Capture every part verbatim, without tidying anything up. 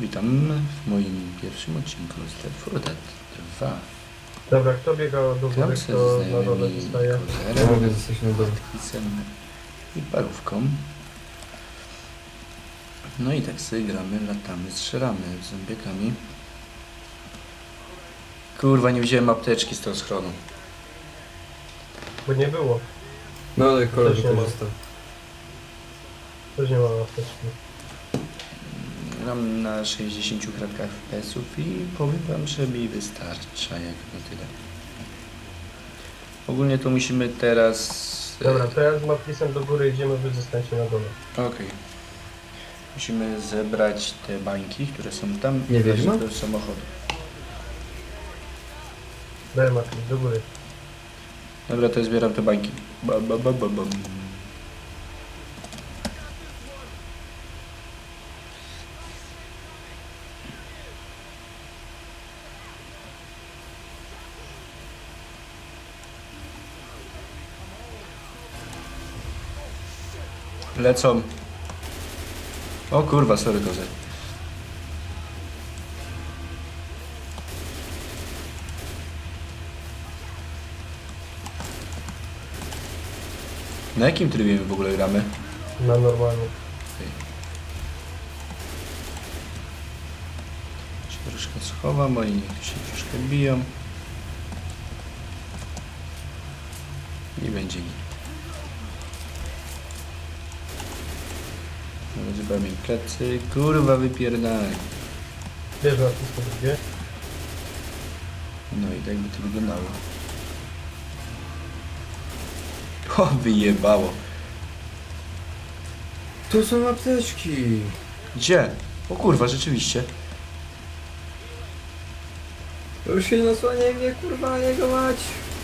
Witam w moim pierwszym odcinku z Left four Dead dwa. Dobra, kto biega do góry, Gram se kto z na dole znajomymi zostaje? Ja kozerem, mogę zostać na dole. pisem i parówką. No i tak sobie gramy, latamy, strzelamy z zombiekami. Kurwa, nie wziąłem apteczki z tego schronu. Bo nie było. No ale kolega Też nie ma. korzystał. Też nie ma apteczki. Gram na sześćdziesięciu kratkach F P S ów i powiem wam, że mi wystarcza jak na tyle. Ogólnie to musimy teraz... Dobra, to ja z Matlisem do góry idziemy, wy zostańcie na dole. Okej. Musimy zebrać te bańki, które są tam. Nie i wejść wiedźma? do samochodu. Daj Matlis, do góry. Dobra, to ja zbieram te bańki. Ba, ba, ba, ba, bam. Lecą. O kurwa, sorry kozę. Na jakim trybie my w ogóle gramy? Na normalnie. Się troszkę schowam, oni niech się troszkę biją. I będzie git. No, zupełnie plecy. Kurwa, wypierdalaj. Bierz Matlis po drugie. No i tak by to wyglądało. O, wyjebało. Tu są apteczki. Gdzie? O kurwa, rzeczywiście. Już się nasłaniaj mnie, kurwa, jego mać.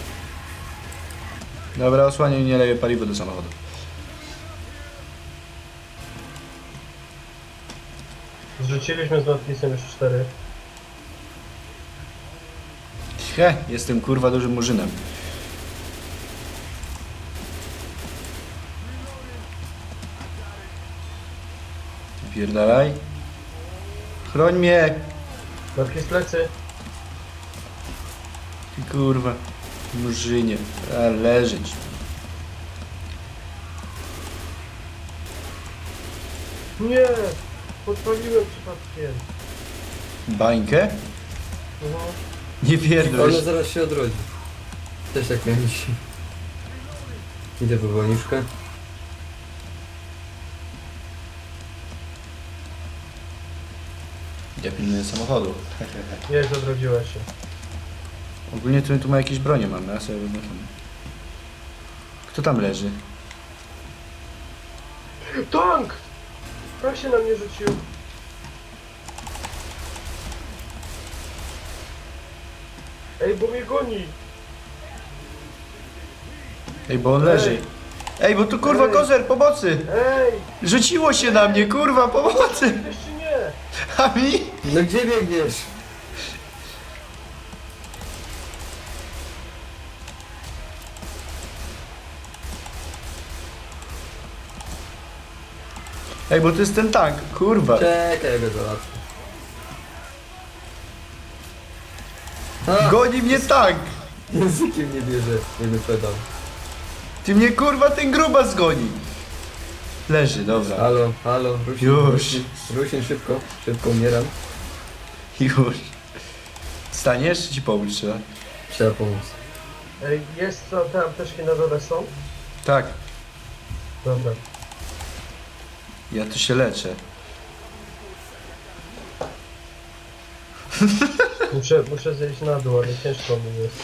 Dobra, osłaniaj, nie leję paliwo do samochodu. Zrzuciliśmy z Matlisem już cztery. He, jestem kurwa dużym murzynem. Wypierdalaj. Chroń mnie. Matlis plecy. Ty kurwa, murzynie. A leżeć. Nie! Podpaliłem przypadkiem. Bańkę? Mhm. Nie pierdol. Ona zaraz się odrodzi. Też tak miałem dzisiaj. Idę po wolniczkę. Ja pilnuję samochodu. Jest, odrodziła się. Ogólnie tu, tu ma jakieś bronie mamy, ja sobie wyglądam. Kto tam leży? Tank! Kto się na mnie rzucił? Ej, bo mnie goni! Ej, bo on leży. Ej, bo tu kurwa Ej. kozer, pomocy! Ej! Rzuciło się na mnie, kurwa, pomocy! Jeszcze nie! A mi? No gdzie biegniesz? Ej, bo to jest ten tank, kurwa. Czekaj, ja go załatwię. A, Goni mnie tank! językiem nie bierze, nie wyprzedał. Ty mnie kurwa ten grubas goni! Leży, dobra. Halo, halo, Rusin, Już. Rusin, Rusin, szybko, szybko umieram. Już. Staniesz, czy ci pomóc trzeba? Trzeba pomóc. Ej, jest co, te apteczki na dole są? Tak, Dobra. ja tu się leczę. Muszę, muszę zejść na dół, ale ciężko mi jest.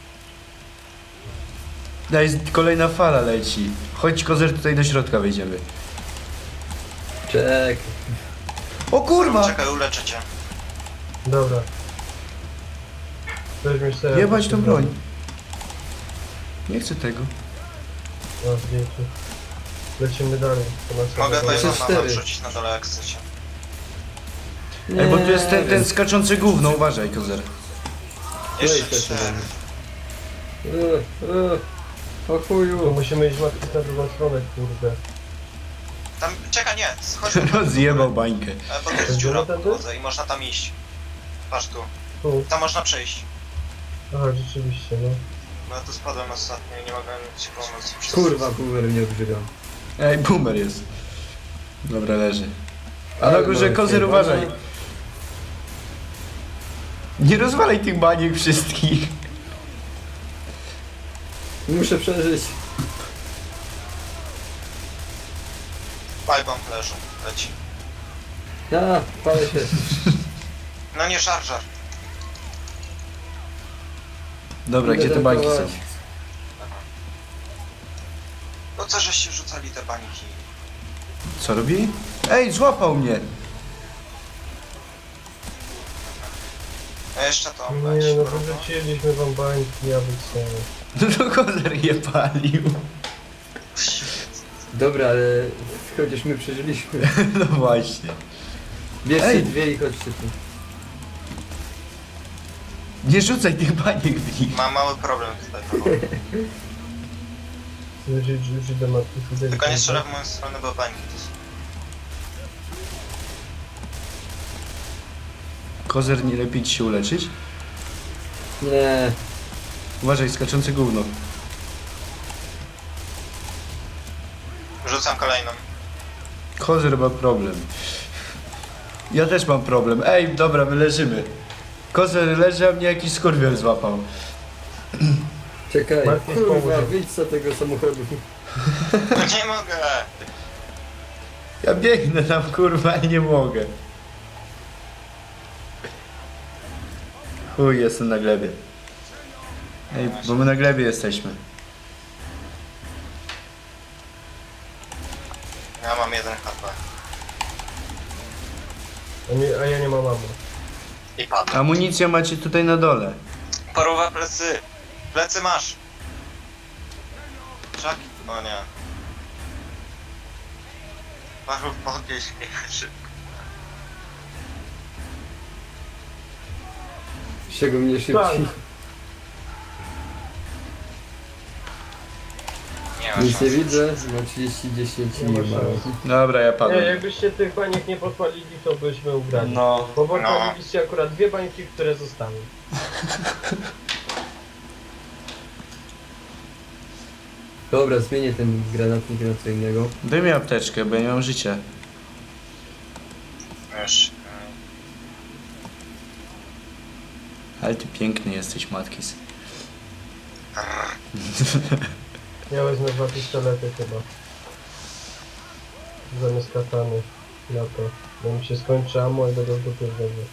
Daj, kolejna fala leci. Chodź kozer, tutaj do środka wejdziemy. Czekaj. O kurwa! Czekaj, uleczę cię. Dobra. Weźmiesz sobie... Jebać tą broń. Nie chcę tego. No, zdjęcie. Lecimy dalej. To nas Mogę dobra. Trzy, Bajzona cztery. wam rzucić na dole jak chcecie. Ej, bo tu jest ten, ten wiem. skaczący gówno, uważaj kozer. Jeszcze Weź też cztery. Eee, eee, O To chuju. musimy iść matki na drugą stronę, kurde. Tam, czekaj, nie, chodź po Rozjebał bańkę. E, bo to jest dziura po drodze i można tam iść. Patrz tu. Tu. Tam można przejść. Aha, rzeczywiście, no. No ja tu spadłem ostatnio i nie mogłem ci pomóc. Przez- Kurwa, boomer mnie obrzyga. Ej, boomer jest. Dobra, leży. A Ale na górze no, kozer ej, uważaj. bana. Nie rozwalaj tych baniek wszystkich. Muszę przeżyć. Pipe bomb leży, leci. A, palę się. No nie żar, żar. Dobra, Idę gdzie te bańki są? tankować. Po co żeście rzucali te bańki? Co robi? Ej, złapał mnie! A jeszcze to Nie, leci. no próba. wyrzuciliśmy wam bańki, ja wycenię. No to kozer je palił. Dobra, ale chociaż my przeżyliśmy. No właśnie. Bierzcie Ej. dwie i chodźcie tu. Nie rzucaj tych baniek w nich. Mam mały problem tutaj. Paweł. Rzucić, rzucić do matki Fideli. Tylko nie strzelę w moją stronę, bo bańki to są. Kozer, nie lepiej ci się uleczyć? Nie. Uważaj, skaczące gówno. Rzucam kolejną. Kozer ma problem. Ja też mam problem. Ej, dobra, my leżymy. Kozer leży, a mnie jakiś skurwiel złapał. Czekaj, Martin, kurwa, pomóż. wyjdź z tego samochodu. No nie mogę! Ja biegnę tam, kurwa, i nie mogę. Chuj, jestem na glebie. Ej, bo my na glebie jesteśmy. Ja mam jeden H P. A, nie, a ja nie mam ammo. I padł. Amunicję macie tutaj na dole. Paruwa plecy! Plecy masz! Czak? O nie. Paru podnieś mnie szybko. Z czego mnie Tak. szybciej. Nie ma Nic szans. nie widzę, mam trzydzieści, dziesięć i Nie ma nie ma. szans. Dobra, ja Nie, padłem. jakbyście tych baniek nie podpalili, to byśmy ugrali. No. Bo podpaliliście akurat dwie bańki, które zostały. Dobra, zmienię ten granatnik na co innego. Daj mi apteczkę, bo ja nie mam życia. Już. Ale ty piękny jesteś, Matkis. Ja wezmę dwa pistolety chyba. Zamiast katany. Na to. Bo mi się skończy ammo i będę w dupie wtedy.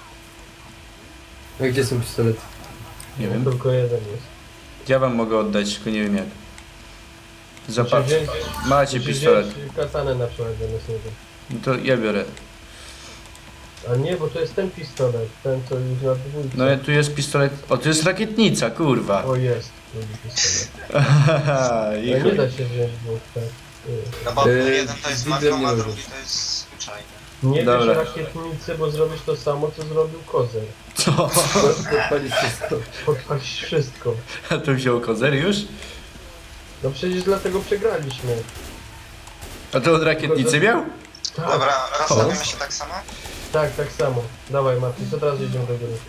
A gdzie są pistolety? Nie wiem. Tylko jeden jest. Ja wam mogę oddać, tylko nie wiem jak. Zapatrz. Musisz wziąć- Macie musisz pistolet. wziąć katanę na przykład zamiast niego. No to ja biorę. A nie, bo to jest ten pistolet. Ten co już na dwójce. No tu jest pistolet. O, tu jest rakietnica, kurwa. O jest. Drugi pistolet. I Ale nie chuj. da się wziąć dwóch, tak. No bo Yy, jeden to jest widzę, magną, nie a możesz. drugi to jest zwyczajny. Nie Dobra. bierz rakietnicy, bo zrobisz to samo, co zrobił Kozer. Co? Podpalić wszystko. Podpalić wszystko. A to wziął kozer już? No przecież dlatego przegraliśmy. A to od rakietnicy miał? Tak, Dobra, rozstawimy się tak samo? tak, tak samo. Dawaj Mati, co teraz jedziemy do góry.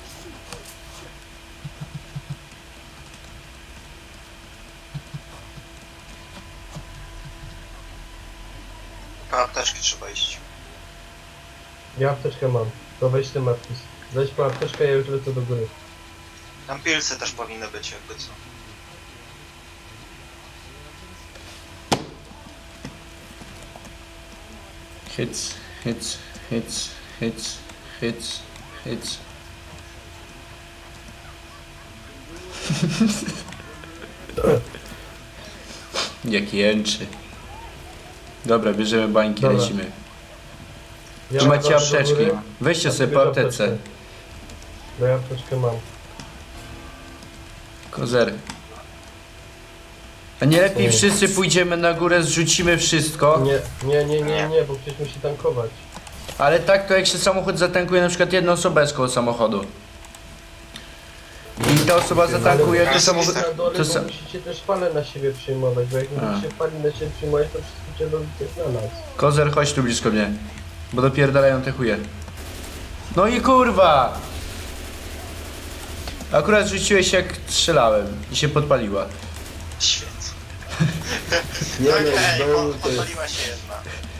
Po apteczki trzeba iść. Ja apteczkę mam. To weź ty Matis. Weź po apteczkę, ja już lecę do góry. Tam pilsy też powinny być, jakby co. Hits, hits, hits, hits, hits, hits. Jak jęczy. Dobra, bierzemy bańki, Dobra. lecimy. Ja Tu macie wracam do apteczki. góry. Weźcie A sobie ty po bierz aptece. apteczkę. Bo ja apteczkę mam. Kozer. A nie lepiej Nie. wszyscy pójdziemy na górę, zrzucimy wszystko. Nie, nie, nie, nie, nie, bo ktoś musi tankować. Ale tak to jak się samochód zatankuje, na przykład jedna osoba jest koło samochodu. I ta osoba zatankuje, to Ale samochód... na dole, To bo sa... musicie też fale na siebie przyjmować, bo jak nie A. będziecie fali na siebie przyjmować, to wszystko cię robicie na nas. Kozer, chodź tu blisko mnie. Bo dopierdalają te chuje. No i kurwa! Akurat rzuciłeś jak strzelałem i się podpaliła. Świetnie. Nie No no, okej, znowu po- to jest... podpaliła się jedna.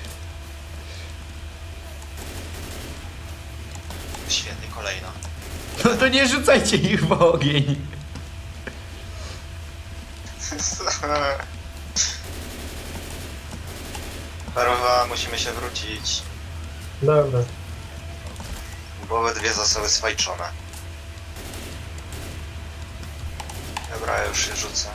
Świetnie, kolejna. No to nie rzucajcie ich w ogień. Parowa, musimy się wrócić, Dobra. bo obydwie zostały swajczone. Dobra, ja już się rzucę.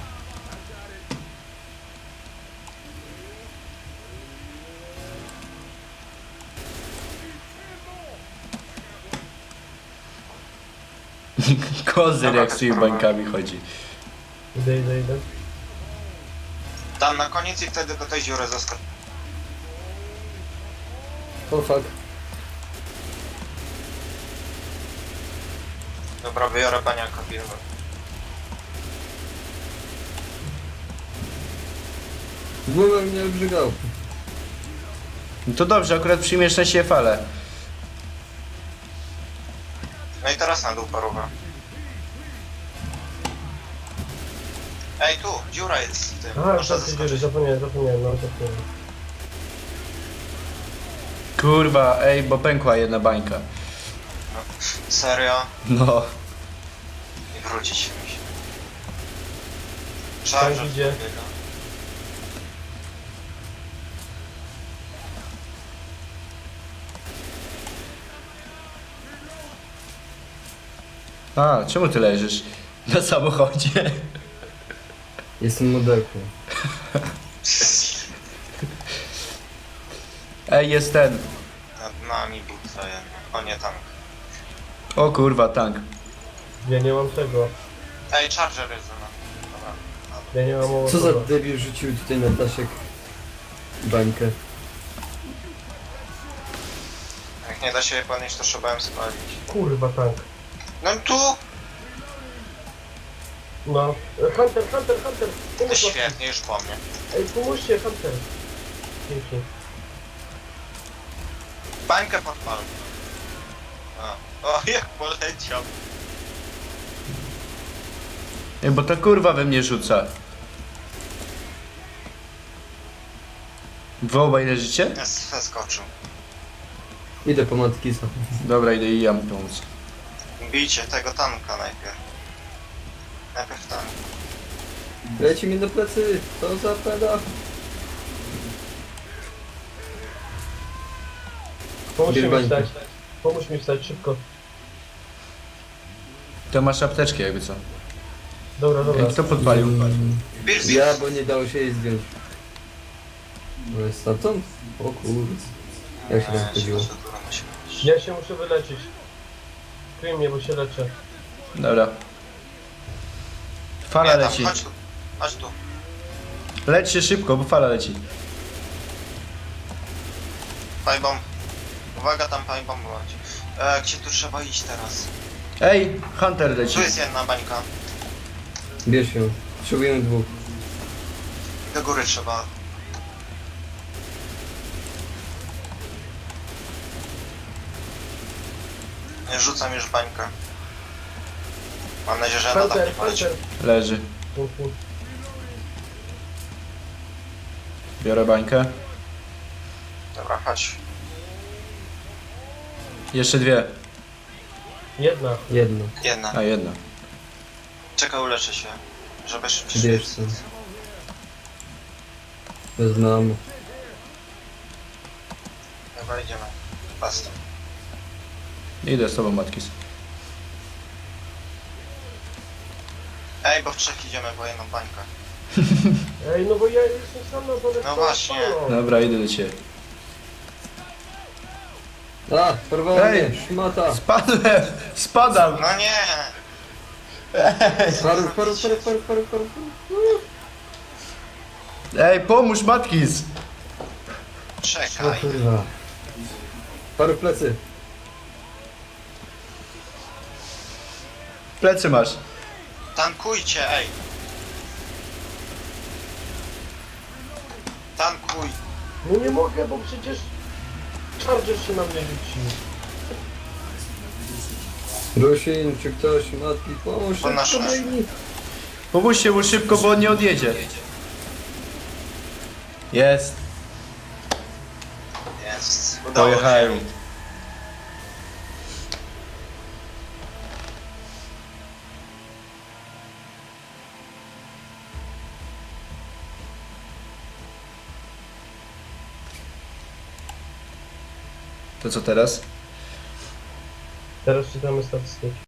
Kozer Dobra, jak z tymi sprawa. bańkami chodzi. Idę, idę, idę. Tam na koniec i wtedy do tej dziury zaskocz. O fuck. Dobra, wybiorę baniaka pierwszy. Głowę mnie obrzygał. No to dobrze, akurat przyjmiesz na siebie falę. No i teraz na dół parowa. Ej, tu, dziura jest w tym. Aha, Można czasy dziury, zaskoczyć. zapomniałem, zapomniałem, no zapomniałem. Kurwa, ej, bo pękła jedna bańka. Serio? No. I wrócić się musi. Tak Charger idzie. podbiega. A, czemu ty leżysz? Na samochodzie. Jestem modelką. Ej, jest ten. Nad nami był jeden. O nie, tank. O kurwa, tank. Ja nie mam tego. Ej, Charger jest za nami. Dobra. Ja nie mam Co za ołowowa. debil rzucił tutaj na Tasiek bańkę. Jak nie da się je podnieść, to trzeba ją spalić. Kurwa tank. No tu! No. E, Hunter, Hunter, Hunter! To Pomóż nam. świetnie, już po mnie. Ej, pomóżcie, Hunter. Dzięki. Bańkę podpal. A. O, jak poleciał. Ej, bo ta kurwa we mnie rzuca. Wy obaj leżycie? Jest, zeskoczył. Idę po Matkisa. Dobra, idę i ja mu pomóc. Bijcie tego tanka najpierw. Najpierw tank. Leci mi do plecy. Co za peda. Pomóż Bierz mi bańkę. wstać. Pomóż mi wstać szybko. To masz apteczkę jakby co. Dobra, dobra. Ej, kto podpalił? Bill, Bill. Ja, bo nie dało się jej zdjąć. No jest stamtąd? O kurde. Jak się tam chodziło? Ja się muszę wyleczyć. Kryj mnie, bo się leczę. Dobra. Fala Nie, tam, leci. chodź tu. Chodź tu. Leć się szybko, bo fala leci. Pajbomb. Uwaga, tam pajbomb leci. E, gdzie tu trzeba iść teraz? Ej, Hunter leci. Tu jest jedna bańka. Bierz ją. Potrzebujemy dwóch. Do góry trzeba. Ja rzucam już bańkę. Mam nadzieję, że na tak nie Hunter, poleci. Hunter. Leży. Dzięki. Biorę bańkę. Dobra, chodź. Jeszcze dwie. Jedna. Jedno. Jedna. A, jedna. Czekaj, uleczę się. Żeby szybciej. Bierz co. Znam. Dobra, idziemy. Basta. Idę z tobą, Matkis. Ej, bo w trzech idziemy po jedną bańkę. Ej, no bo ja jestem sam na dole. No z właśnie. falą. Dobra, idę do ciebie. A, porwała Ej! mnie, szmata. Spadłem! Spadam! No nie! Paru, paru, paru, paru, paru, paru. Ej, pomóż, Matkis! O Czekaj. kurwa. Paru plecy. Plecy masz. Tankujcie, ej! Tankuj! No nie mogę, bo przecież... Charger się na mnie rzucił. Rusin, czy ktoś matki pomóż? To nasz- szybko biegnij. Pomóżcie mu szybko, bo on nie odjedzie. Jest. Jest. Udało Pojechałem. się. To co teraz? Teraz czytamy statystyki.